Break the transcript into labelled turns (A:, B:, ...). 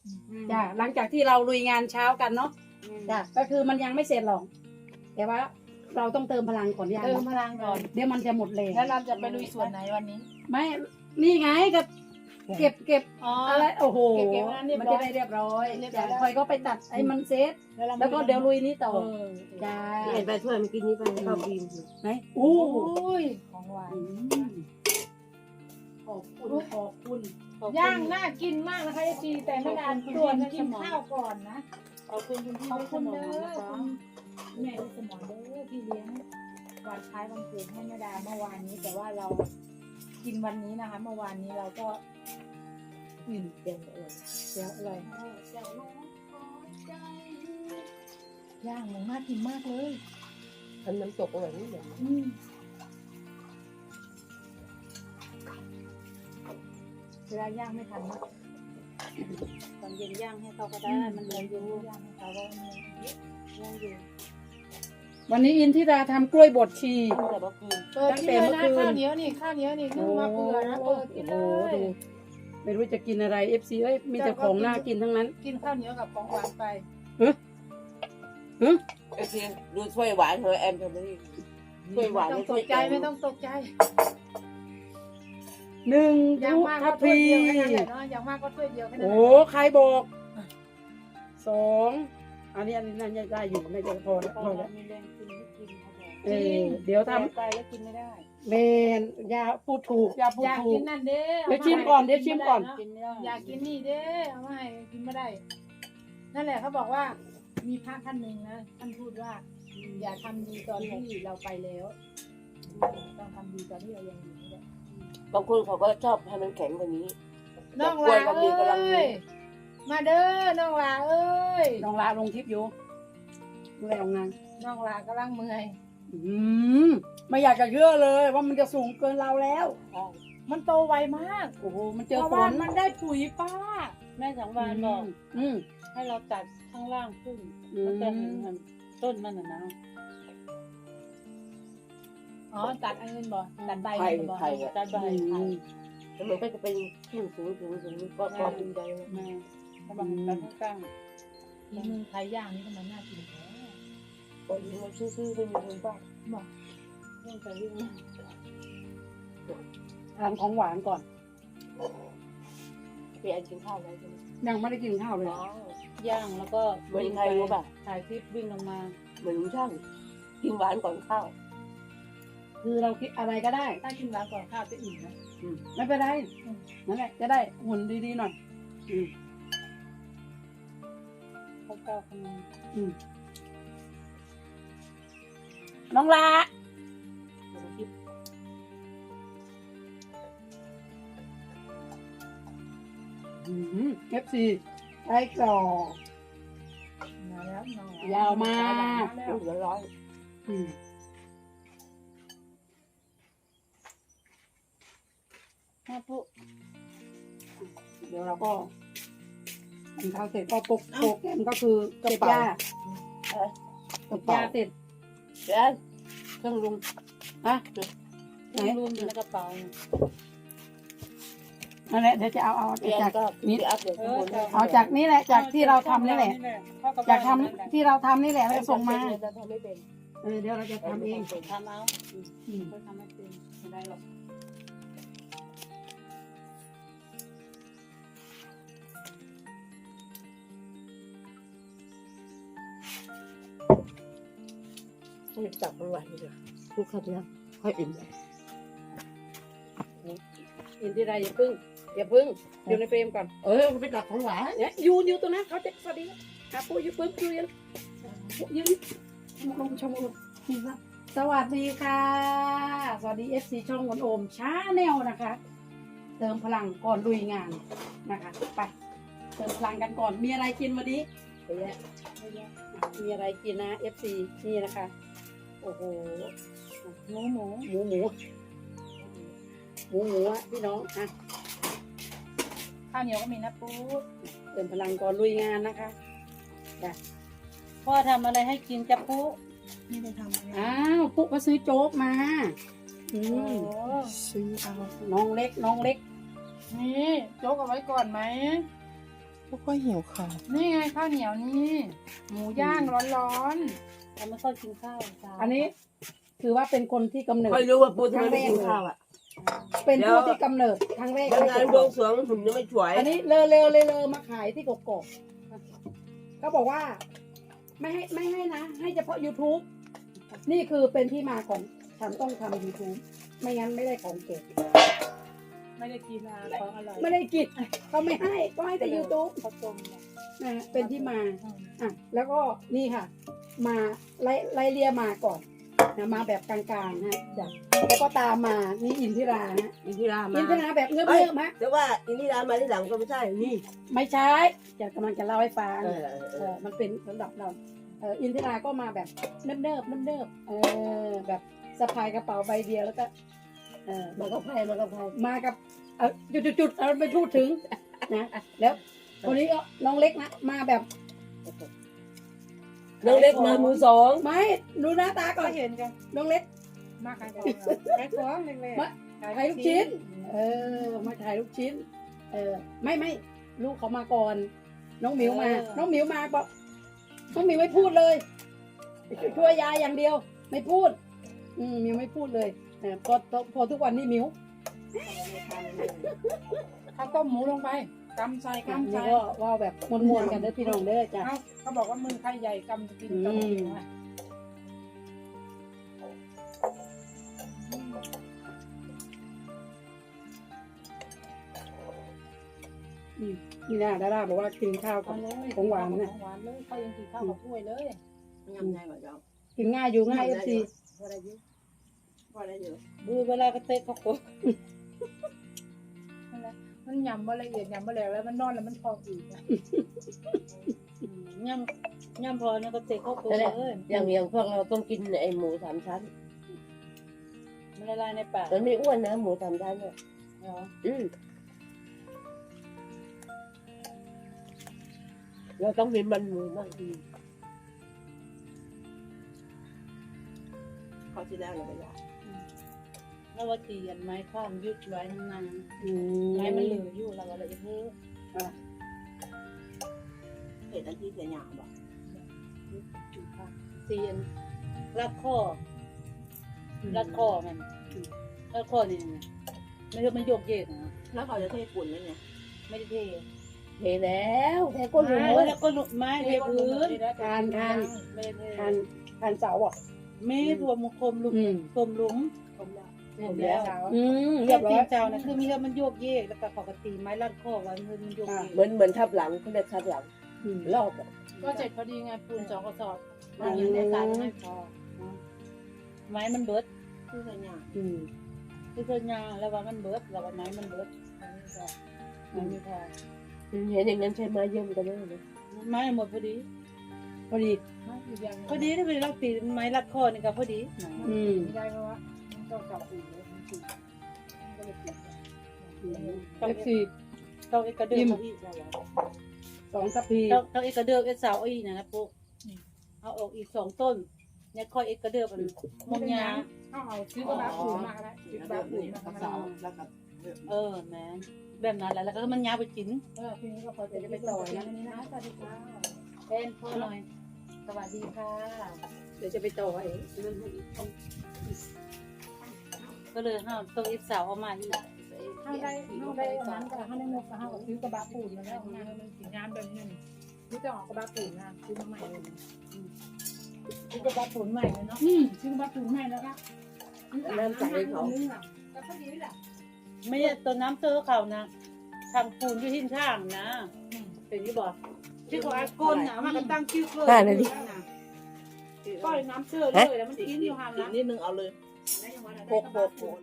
A: จ้ะหลังจากที่เราลุยงานเช้ากันเนาะจ้ะก็คือมันยังไม่เสร็จหรอกแต่ว่าเราต้องเติมพลังก่อนอย่าง
B: เติมพลังก่อน
A: เดี๋ยวมันจะหมดแรง
B: แล้วเราจะไปลุยส่วนไหนวันนี้
A: ไม่นี่ไงก็เก็บ
B: อ๋อ
A: อะไรโอ้โห
B: เก็บงานเรียบร้อย
A: มันจะได้เรียบร้อย
B: เรียบร้
A: จ้ะ
B: อยแล้ว
A: คอยก็ไปตัดไอ้มันเซตแล้วก็เดี๋ยวลุยนี้ต่อจ้า
C: เห็นไปถ้วยเมื่อกี้นี้ไปให้เขากิน
A: ไหนอู้
B: อุ้ยของหวาน
A: ขอบคุณ
B: ย่างน่ากินมากนะคะจีแต่ไม่นานส่วนกินข้าวก่อนนะ
C: ขอบคุณคุณพี่
B: ขอบคุณ
C: เด้
B: เด้
C: อ
B: อคุณแม่สมองเด้อที่เลี้ยงวันคล้ายวันเกิดให้แม่ดาเมื่อวานนี้ แต่ว่าเรากินวันนี้นะคะเมื่อวานนี้เราก็
C: เดี๋ยวเออ
B: เดี๋ยวอร่อยย่างหมูน่ากินมากเลย
C: ทำน้ำตกอร่อยนี่เหรอ
B: เวลาย่างไม่ทันนะ
A: ตอนเย็นย่างให้เขาก็ได้มันเหลืออยู่
B: ย่างให้เขาว่ามันย่างอยู่
A: วันนี้อินทิราทำกล้วยบดชี
C: แต่ว่าคืน
B: เปิดกินเลยนะข้าวเหนียวนี่ข้าวเหนียวนี่นึ่งมาเปื่อยนะเปิดกินเลย
A: ไม่รู้จะกินอะไร FC เอ้ยมีแต่ของน่ากินทั้งนั้น
B: กินข้าวเหนียวกับของหวานไป
C: โอเคดูถ้วยหวานเธอแอมทำนี่ถ้วยหวาน
B: ไม่ต้องต
C: ถ้วย
B: กใจไม่ต้องตกใจ
A: หนึ่ง
B: อย่างมาก
A: ทั
B: ก็
A: พ
B: ถ้วย
A: พี
B: เดียวแค่นั้นแหละเนาะอย่างมากก็ถ้วยเดียวแค่นั้น
A: โอ้
B: แหละ
A: ใครบอกสองอันนี้น่าจะได้อยู่น่าจะพอแล้วพอแล้ว
B: มีแรงกินไม่กินเขาบอก
A: เดี๋ยวท
B: ไปแล้วกินไม่ได้
A: ำเมนยาพูดถูกยาพูด
B: อยาก
A: ถู
B: กิ
A: ก
B: นนั่นเด้
A: เดี๋ยวชิมก่อนเดี๋ยวชิมก่อน
B: กินไม่ได้อยากกินนี่เด้เอามาให้กินไม่ได้ นั่นแหละเขาบอกว่า มีพระท่านหนึ่งนะท่านพูดว่า อย่าทำดีตอนที่เราไปแล้วต้องทำดีตอนที่เรายังอยู่นี่แหละ
C: บางคนเขาก็ชอบให้มันแข็งกว่านี้
B: น้องหลาเอ้ยมาเด้อน้องหลาเอ้ย
A: น้องลาลงทิพย์อยู่ดูแลโรงงาน
B: น้องหลากำลังเมื่อย
A: ไม่อยากจะเชื่อเลยว่ามันจะสูงเกินเราแล้ว
B: มันโตไวมาก
A: โอ้โหมัน
B: เพ
A: เจอ
B: ราะ
A: ฝ
B: ว่าน มันได้ปุ๋ยป้า
D: แม่สังวานบอก
A: อืม
D: ให้เราตัดข้างล่างขึ้น
A: อืม
D: มันจะเห็นมันต้นมันนะ
B: อ๋อตัดอันอื่นบ่ตัดใบ
C: ไผ่
B: มันบ่
C: ไผ่อะ
D: ตัดใบไผ่
C: แล้วมันก็จะเป็นขึ้นสูงก็พอดีใจนะ
D: แม่กำลังตัดข้าง
B: อีมือไทยย่างนี่ทำไมน่ากินแท้
C: ก็ยิงมันซื่อๆไม่มีคนบ้า
B: บอก
D: ๆเรื่องใจยิ่ง
A: ทานของหวานก่อน
C: พี่แอนกินข้าวแล้วใช่ไหม
A: ยังไม่ได้กินข้าวเลย
D: ย่างแล้วก็
C: เหมือนใครรู้ป่ะ
D: ถ่ายคลิปวิ่งลงมา
C: เหมือนช่างกินหวานก่อนข้าว
A: คือเราคิดอะไรก็ได้
B: ถ้ากินหวานก่อนข้าวจะอิ่มนะ
A: ไม่เป็นไรนั่นแหละจะได้หุ่นดีๆหน่อย
D: เขาก้าวข้างใน
A: น้องลาFC ไส้กรอก
B: มาแล้วน้อง
A: ยาวมาก
C: ลูกละร้อย
A: ถ้าปุ๊เดี๋ยวเราก็กินข้าวเสร็จก็ปุกโปกแกมก็คือเก็บยาเก็บยาเสร็จ
C: เดี๋ยวเครื่องลุง
A: ฮะไหน
D: รวมอยู่ในกระเป๋า
A: นั่นแหละเดี๋ยวจะเอา
C: พี่แอน
A: จาก
C: ก็พี่อัพเดี๋ยวข้างบน
A: เอาจากนี้แหละจากที่เราทำนี่แหละจากทำที่เราทำนี่แหละแล้วส่งมา
C: จะทำไม่เป็น
A: เดี๋ยวเราจะทำเอง
D: ทำเอาเขาทำไม่เป็นไม่ได้หรอก
C: ต้องจับมันไว้เลยพูดคำนี้ค่อยอิ่ม
A: อินทิราอย่าพึ่งอยู่ในเฟรมก่อน
C: ไปตักของหวาน
A: เนี่ยอยู่ตรงนั้นเขาจะสวัสดีครับปูอยู่ปึ๊บยืนลงชมโอมนี่ครับสวัสดีค่ะ สวัสดี FC ช่องวันโอมช้าแนวนะคะ เติมพลังก่อนลุยงานนะคะไปเติมพลังกันก่อนมีอะไรกินวันนี้เยอะมีอะไรกินนะ FC นี่นะคะโอ้โหหมูอะพี่น้องอะ
B: ข้าวเหนียวก็มีนะปู
A: เติมพลังก่อนลุยงานนะคะ
D: พ่อทำอะไรให้กินจะปุ๊
B: นี่ได้ทำอะไร
A: อ้าวปุ๊กก็ซื้อโจ๊กมา
B: โอ้
A: อืมซื้อเอาน้องเล็ก
B: นี่โจ๊กเอาไว้ก่อนไหม
C: พวกก็หิวข้าว
B: นี่ไงข้าวเหนียวนี่ หมูย่างร้อน
D: เราไม่ค่อยกินข้าวเช้า
A: อันนี้ถือว่าเป็นคนที่กำเนิด
C: ค่อยรู้ว่าปูทำไมไม่กินข้าวอ่ะ
A: เป็นผู้ที่กำเนิดครั้งแรก
C: วันงานบวงสรวงหุ่นยังไม่สวย
A: อันนี้เลอมาขายที่กกอกเขาบอกว่า ไม่ให้นะ ให้เฉพาะ YouTube นี่คือเป็นที่มาของฉันต้องทำ YouTube ไม่งั้นไม่ได้ของเก็บ
B: ๆไม่ได้กินของอร่อย
A: ไม่ได้กินเขาไม่ให้ก็ให้แต่ YouTube
B: ข้าวต้มเนี่ย
A: นะฮะเป็นที่มาอ่ะแล้วก็นี่ค่ะ มาไล่เลียมาก่อนนะมาแบบกลางๆฮะจ้ะแล้วก็ตามมานี่อินทิราฮะ
C: อินทิรามา
A: อินทิราแบบเงือบๆฮะ
C: แต่ว่าอินทิรามาที่หลังก็ไม่ใช่นี่
A: ไม่ใช่จะกำลังจะเล่าให้ฟัง
C: เออ
A: มันเป็นสำหรับเราอินทิราก็มาแบบเนิบแบบสะพายกระเป๋าใบเดียวแล้วก็
C: มันก็แพ้
A: มากับจุดเราไม่พูดถึงนะแล้วคนนี้ก็น้องเล็กนะมาแบบ
C: น้องเล็กมามือสอง
A: ไม่ดูหน้าตาก่
B: ก็
A: อน
B: เห็นกัน
A: น้องเล็ก
B: มาขายของขายของเล็ก
A: มาขายลูกชิ้น มาขายลูกชิ้น ไม่ลูกเขามาก่อน น้องหมิวมา น้องหมิวมาบอกน้องหมิวไม่พูดเลย ช่วยยายอย่างเดียว ไม่พูด หมิวไม่พูดเลยพอทุกวันนี้หมิว
B: ๆข้าวต้มหมูลงไปกำใส่กำ
A: นี่
B: ใส่
A: ก็ว่าแบบมวนๆกันเด้อพี่น้องเด้อจ้ะ
B: เขาบอกว่ามือใครใหญ่กำจะกินกำกินไง
A: นี่นะดาราบอกว่ากินข้าวกับ ของหวานนะ
B: ของหวานเลยเขายังกินข้าวกับถ้วยเลย
C: ยังไงวะเจ้า
A: กินง่ายอยู่ง่ายFC
C: พอได้เยอะพอได้เยอะ
D: ดูเวลากระเตะเขาโก
B: มันยำบ่ละเอียดยำบ่แล้วแล้วมันนอนแล้วมันพองอีก
D: ย่ำพอเนี่ยก็เตะเขาโกเลย
C: อย่างพวกเราต้องกินไอหมูสามชั้น
D: มันละลายในปาก
C: มันไม่อ้วนนะหมูสามชั้นเนี่ย
D: เหรอ
C: เราต้องมีมันหมูบางทีเขาที่แล้วเราไปยา
D: แล้วว่าตีอันไม้ข้ามยุดไว้นาน
A: อื
D: ไม้มันเหลืออยู่เราก็เลยเพิ่ม
C: เห็ดอันที่เสียหยาบอ่ะ
D: ตีอันรัดข้อมันรัดข้อนี่ไม่ใช่มันโยกเยกนะ
C: แล้วเขาจะเทปุ่นแล้วไง
D: ไม่ได้เท
A: เทแล้วเทก้นหมู
D: แล้วก็หนุกไม้เทพื้น
A: ทาน
D: ไม่ได้เท
A: ทานเสาอ่ะ
D: ไม่รวมคมหลุมคมหลุม
C: ผมละ
D: ผมแล้ว
A: เรี
D: เรี
A: ย
D: ย
A: บบ ร้
D: ตี
A: อย
D: เจ้านะคือมีแล้วมันโยกเยกแล้วก็ปกติไม้รัดข้อไว้มันโยกเยก
C: เหมือนทับหลังเขาเรียกทับหลังรอบอ่ะ
B: ก็เสร็จพอดีไงปูน2 กระสอบ
D: มันยังได้สารไม่พอไม้มันเบิด
C: ที่เสียหยาบ
D: คือส่วนยาแล้วว่ามันเบิดแล้วว่าไม้มันเบิดมันไม่พอ
C: เห็นอย่างนั้นใช้ไม้เยี่ยมกันได้ไหม
D: ไม้หมดพอดี
A: พอดี
B: อีกอย่าง
D: พอดีถ้าเป็นเราตีไม้รัดคอนี่ก็พอดี
B: ไม่ได้เพราะว่ามันต้องกลับปูนเลยมันปูนก็เลยปิด
A: FC
D: ต้องเอกระเดิมอีก
A: 2 ทัพพี
D: ต้องเอกระเดิมเอสาวอีนะปุ๊เอาออกอีก2 ต้นเนี่ยค่อยเอกระเดิมมันมงยา
B: เอาซื้อกระบะปูนมาก็ได้ซื้อกระบะปูนมาก็ได้
C: แล้วกับ
D: แม่แบบนั้นแหละแล้วก็มันยาไปกิน
B: ทีนี้ก็พอจะไปต่อนะนี่นะสวัสดีค่ะ
D: เป็นพ่อหน่อย
B: สวัสดีค่ะ
A: เดี๋ยวจะไปต่อเอง
D: ก็เลยห้ามต้องเอสาวเอามาอีก
B: เข้าได้นั้นก็เข้าได้นกก็เข้าซื้อกระบะปูนมาแล้วงานมันสีงานแบบนึงซื้อจะออกกระบะปูนนะซื้อมาใหม่เลย
D: ที่จะบัดผลใหม่เลยเนาะ
B: ซื้อกระบะปูนใหม่แล้วก็
C: น้ำใสเขา
B: ก็พอดีแหละ
D: ไม่ใช่ตัวน้ำเตอเขานะทางปูนอยู่ที่ข้างนะเป็นที่บอกที่เขาอาก้นนะมันก็ตั้งชื่อเลยก็น้ำเตอเลยแล้วมันกินอยู่ห่างนะ
C: นิดนึงเอาเลย
B: ได้ยังไง
C: โปก